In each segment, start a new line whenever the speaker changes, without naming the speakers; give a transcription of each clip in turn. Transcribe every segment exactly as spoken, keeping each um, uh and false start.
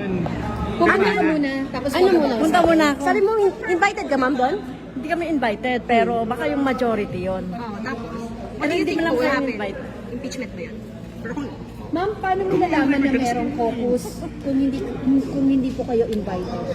yun.
Pumunta ka muna, tapos
Ano muna?
Punta muna ako.
Sabi mo, in- invited ka, ma'am, doon?
Hindi kami invited, pero baka yung majority yon.
Oh, tapos,
Ano
do you
hindi
think
mo lang
will
kayo
happen?
invite?
Impeachment ba yan? Pero kung
Ma'am, paano mo nalaman na merong caucus kung hindi kung hindi po kayo invited?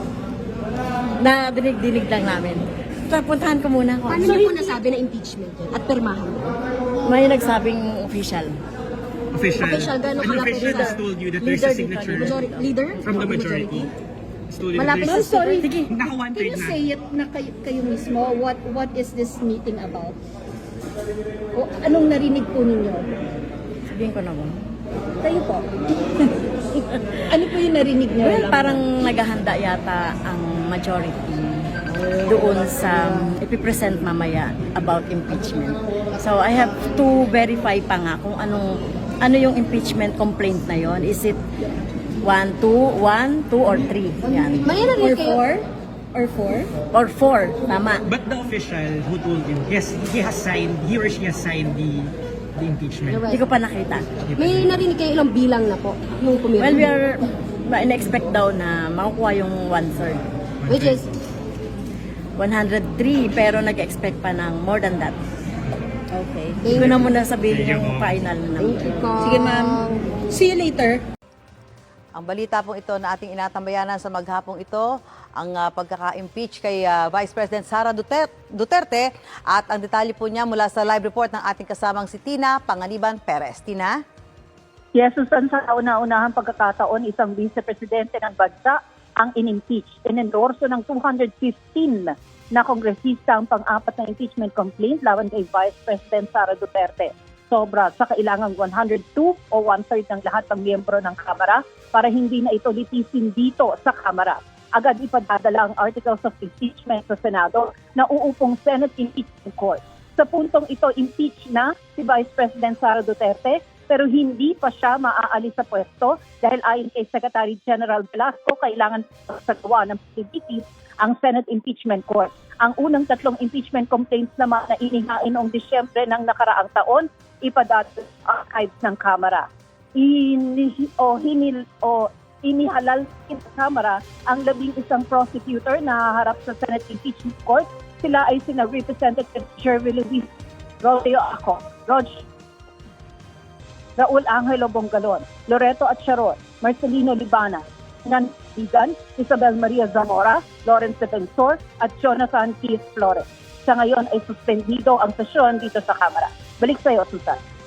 Na dinig-dinig lang namin. So, puntahan ko muna ako.
Paano niyo po nasabi na impeachment yun? At pirmahan mo?
May nagsabing official.
Official.
Official, gano'n
An
kalaki
official
sa-
has told you that there's
Leader
a
dito,
signature
Majority, leader?
from the majority. Has told you that
Malapit
there's
Ma'am, sorry.
Sige.
naka one
Can
third
you
na.
say it na kayo, kayo mismo? What what is this meeting about? O anong narinig po ninyo?
Sabihin ko na mo.
Kayo po. Ano po yung narinig niyo?
Well, parang naghahanda yata ang majority doon sa ipipresent mamaya about impeachment. So I have to verify pa nga kung anong ano yung impeachment complaint na yon. Is it one, two, one, two, or three? Yan.
May
Or
narinig kayo?
four? Or four?
Or four, tama.
But the official who told him, yes, he has signed, he or she has signed the the impeachment.
Hindi ko pa nakita.
May narinig kayo ilang bilang na po yung pumirma?
Well, we are in-expect daw na makukuha yung one-third.
Which is,
one hundred three, pero nag-expect pa ng more than that.
Okay.
Hindi ko na muna sabihin
Thank you,
yung
ma'am.
final na
thank
number.
you po.
Sige, ma'am. See you later.
Ang balita pong ito na ating inatambayanan sa maghapong ito, ang uh, pagkaka-impeach kay uh, Vice President Sara Duterte, Duterte at ang detalye po niya mula sa live report ng ating kasamang si Tina Panganiban Perez. Tina?
Yes, Susan, sa una-unahang pagkakataon, isang vice-presidente ng bansa ang in-impeach. Inendorso ng two hundred fifteen na kongresista ang pang-apat na impeachment complaint laban kay Vice President Sara Duterte. Sobra sa kailangang one hundred two o one-third ng lahat ng miyembro ng Kamara para hindi na ito litisin dito sa Kamara. Agad ipadadala ang articles of impeachment sa Senado na uupong Senate Impeachment Court. Sa puntong ito, impeach na si Vice President Sara Duterte pero hindi pa siya maaalis sa pwesto dahil ayon kay Secretary General Velasco, kailangan sagwa ng P D P ang Senate Impeachment Court. Ang unang tatlong impeachment complaints naman na inihain noong Disyembre ng nakaraang taon, ipadadala sa archives ng Kamara. Ini, o, hinil, o inihalal sa Kamara ang labing isang prosecutor na harap sa Senate Impeachment Court. Sila ay sina Representative Jervy Luis, Rodeo Aco, Rog, Raul Angelo Bongalon, Loreto Atcharon, Marcelino Libana, Nan Bigan, Isabel Maria Zamora, Lawrence Defensor, at Jonathan Keith Flores. Sa ngayon ay suspendido ang sesyon dito sa Kamara. Balik sa iyo, Susan.